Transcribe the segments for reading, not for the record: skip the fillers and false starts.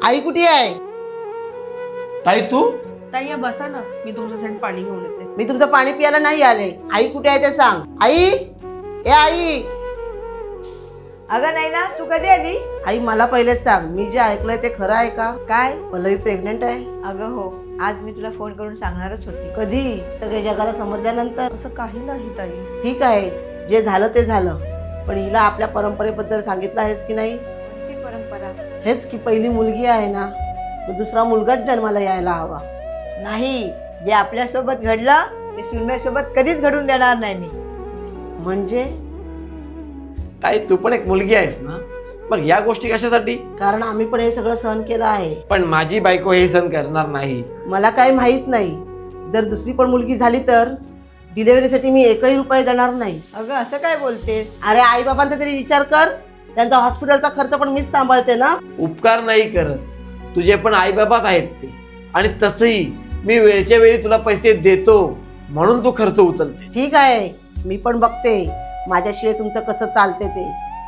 आई कुठे आहे? ताई तू ताई या बसा ना, मी तुमच्यासाठी पाणी घेऊन येते. मी तुमचं पाणी प्यायला नाही आले. आई कुठे आहे ते सांग. आई, ए आई. अगं नाही ना, तू कधी आली? आई मला पहिलेच सांग, मी जे ऐकलंय ते खरं आहे का? काय? पल्लवी प्रेग्नेंट आहे. अगं हो, आज मी तुला फोन करून सांगणारच होती. कधी? सगळ्या जगाला समजल्यानंतर? असं काही नाही ताई. ठीक आहे, जे झालं ते झालं, पण हिला आपल्या परंपरेबद्दल सांगितलं आहेस की नाही? कोणती परंपरा? हेच की पहिली मुलगी आहे ना, तो दुसरा मुलगाच जन्माला यायला हवा. नाही, जे आपल्यासोबत घडलं ते सुरम्यासोबत कधीच घडून देणार नाही मी. म्हणजे? ताई तू पण एक मुलगी आहेस ना, मग या गोष्टी कशासाठी? कारण आम्ही पण हे सगळं सहन केलं आहे. पण माझी बायको हे सहन करणार नाही. मला काही माहित नाही, जर दुसरी पण मुलगी झाली तर डिलिव्हरीसाठी मी एकही रुपये देणार नाही. अगं असं काय बोलतेस? अरे आई बाबांचा तरी विचार कर, त्यांचा हॉस्पिटलचा खर्च पण मीच सांभाळते ना. उपकार नाही करत, तुझे पण आई बाबाच आहेत ते. आणि तसंही मी वेळच्या वेळी तुला पैसे देतो म्हणून तू खर्च उचलते. ठीक आहे, मी पण बघते माझ्याशिवाय तुमचं कसं चालते ते.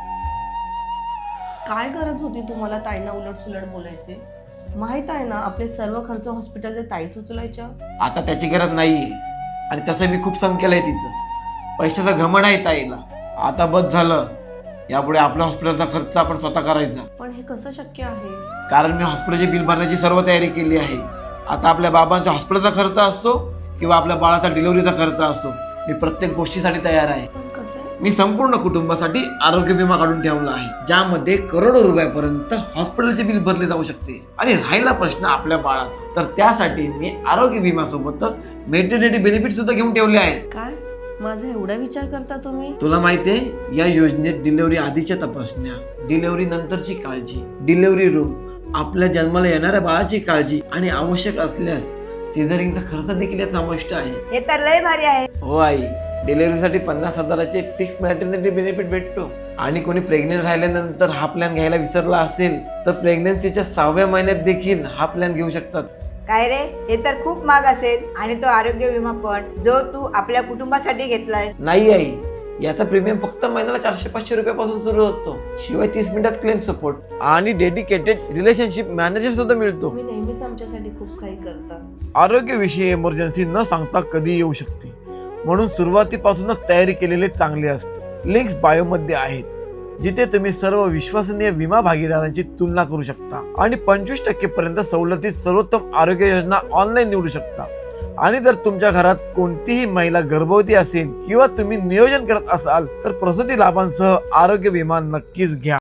काय गरज होती तुम्हाला ताईंना उलट सुलट बोलायचे? माहित आहे ना, आपले सर्व खर्च हॉस्पिटलचे ताईच उचलायच्या. आता त्याची गरज नाहीये, आणि तसं मी खूप सहन केलंय तिचं. पैशाचा घमंड आहे ताईला. आता बस झालं, यापुढे आपल्या हॉस्पिटलचा खर्च आपण स्वतः करायचा. पण हे कसं शक्य आहे? कारण मी हॉस्पिटलचे बिल भरण्याची सर्व तयारी केली आहे. आता आपल्या बाबांच्या हॉस्पिटलचा खर्च असो किंवा आपल्या बाळाचा डिलिव्हरीचा खर्च असो, मी प्रत्येक गोष्टीसाठी तयार आहे. पण कसं? मी संपूर्ण कुटुंबासाठी आरोग्य विमा काढून ठेवला आहे, ज्यामध्ये करोडो रुपयापर्यंत हॉस्पिटलचे बिल भरले जाऊ शकते. आणि राहिला प्रश्न आपल्या बाळाचा, तर त्यासाठी मी आरोग्य विमा सोबतच मेटर्निटी बेनिफिट सुद्धा घेऊन ठेवले आहेत. काय माझा एवढा विचार करता तुम्ही? तुला माहितीये, या योजनेत डिलिव्हरी आधीच्या तपासण्या, डिलिव्हरी नंतरची काळजी, डिलिव्हरी रूम, आपल्या जन्माला येणाऱ्या बाळाची काळजी आणि आवश्यक असल्यास सिझरिंगचा खर्च देखील यात समाविष्ट आहे. हे तर लय भारी आहे. हो आई, डिलिव्हरीसाठी 50,000चे फिक्स मॅटर्निटी बेनिफिट भेटतो. आणि कोणी प्रेग्नेंट राहिल्यानंतर हा प्लॅन घ्यायला विसरला असेल तर प्रेग्नन्सीच्या 6व्या महिन्यात देखील हा प्लॅन घेऊ शकतात. काय रे, हे तर खूप महाग असेल. आणि तो आरोग्य विमा पण जो तू आपल्या कुटुंबासाठी घेतलाय. नाही आई, याचा प्रीमियम फक्त महिन्याला 400-500 रुपयापासून सुरू होतो. शिवाय 30 मिनिटात क्लेम सपोर्ट आणि डेडिकेटेड रिलेशनशिप मॅनेजर सुद्धा मिळतो. तुम्ही नेहमीच आमच्यासाठी खूप काही करता. आरोग्यविषयी इमर्जन्सी न सांगता कधी येऊ शकते, म्हणून सुरुवातीपासूनच तयारी केलेले चांगले असते. लिंक्स बायोमध्ये आहेत, जिथे तुम्ही सर्व विश्वसनीय विमा भागीदारांची तुलना करू शकता आणि 25% पर्यंत सवलतीत सर्वोत्तम आरोग्य योजना ऑनलाईन निवडू शकता. आणि जर तुमच्या घरात कोणतीही महिला गर्भवती असेल किंवा तुम्ही नियोजन करत असाल तर प्रसूती लाभांसह आरोग्य विमा नक्कीच घ्या.